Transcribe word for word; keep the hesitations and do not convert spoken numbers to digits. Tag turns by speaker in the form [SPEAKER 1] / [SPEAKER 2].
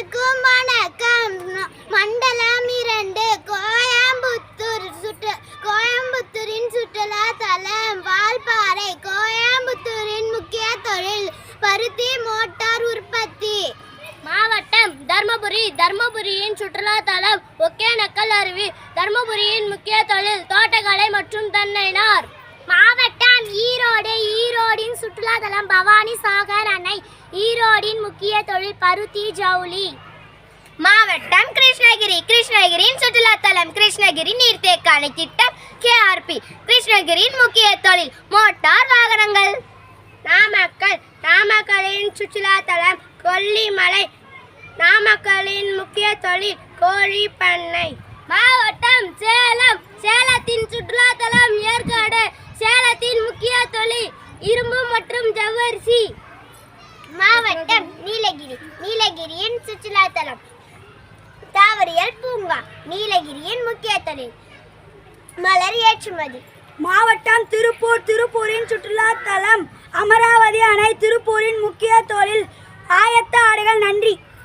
[SPEAKER 1] அனைவருக்கும் வணக்கம். மண்டலம் இரண்டு கோயம்புத்தூர் சுற்று கோயம்புத்தூரின் சுற்றுலா தலம் வால்பாறை. கோயம்புத்தூரின் முக்கிய தொழில் பருத்தி மோட்டார் உற்பத்தி.
[SPEAKER 2] மாவட்டம் தர்மபுரி. தர்மபுரியின் சுற்றுலா தலம் ஒகேனக்கல் அருவி. தர்மபுரியின் முக்கிய தொழில் தோட்டக்கலை மற்றும் தென்னைநார்.
[SPEAKER 1] மாவட்டம் ஈரோடு. ஈரோடின் சுற்றுலா தலம் பவானி சாகர் அணை. ஈரோடின் முக்கிய தொழில் பருத்தி ஜவுளி.
[SPEAKER 2] மாவட்டம் கிருஷ்ணகிரி. கிருஷ்ணகிரியின் சுற்றுலா தலம் கிருஷ்ணகிரி நீர்த்தேக்க அணை திட்டம் கேஆர்பி. கிருஷ்ணகிரியின் முக்கிய தொழில் மோட்டார் வாகனங்கள். நாமக்கல். நாமக்கலின் சுற்றுலா தலம் கொல்லிமலை. நாமக்கலின் முக்கிய தொழில் கோழி பண்ணை. மாவட்டம் சேலம். சேலத்தின் சுற்றுலா தலம் ஏற்காடு. சேலத்தின் முக்கிய தொழில் இரும்பு மற்றும் ஜவ்வரிசி.
[SPEAKER 1] மாவட்டம் நீலகிரி. நீலகிரியின் சுற்றுலா தலம் தாவரியல் பூங்கா. நீலகிரியின் முக்கிய தொழில் மலர் ஏற்றுமதி.
[SPEAKER 3] மாவட்டம் திருப்பூர். திருப்பூரின் சுற்றுலா தலம் அமராவதி அணை. திருப்பூரின் முக்கிய தொழில் ஆயத்த ஆடைகள். நன்றி.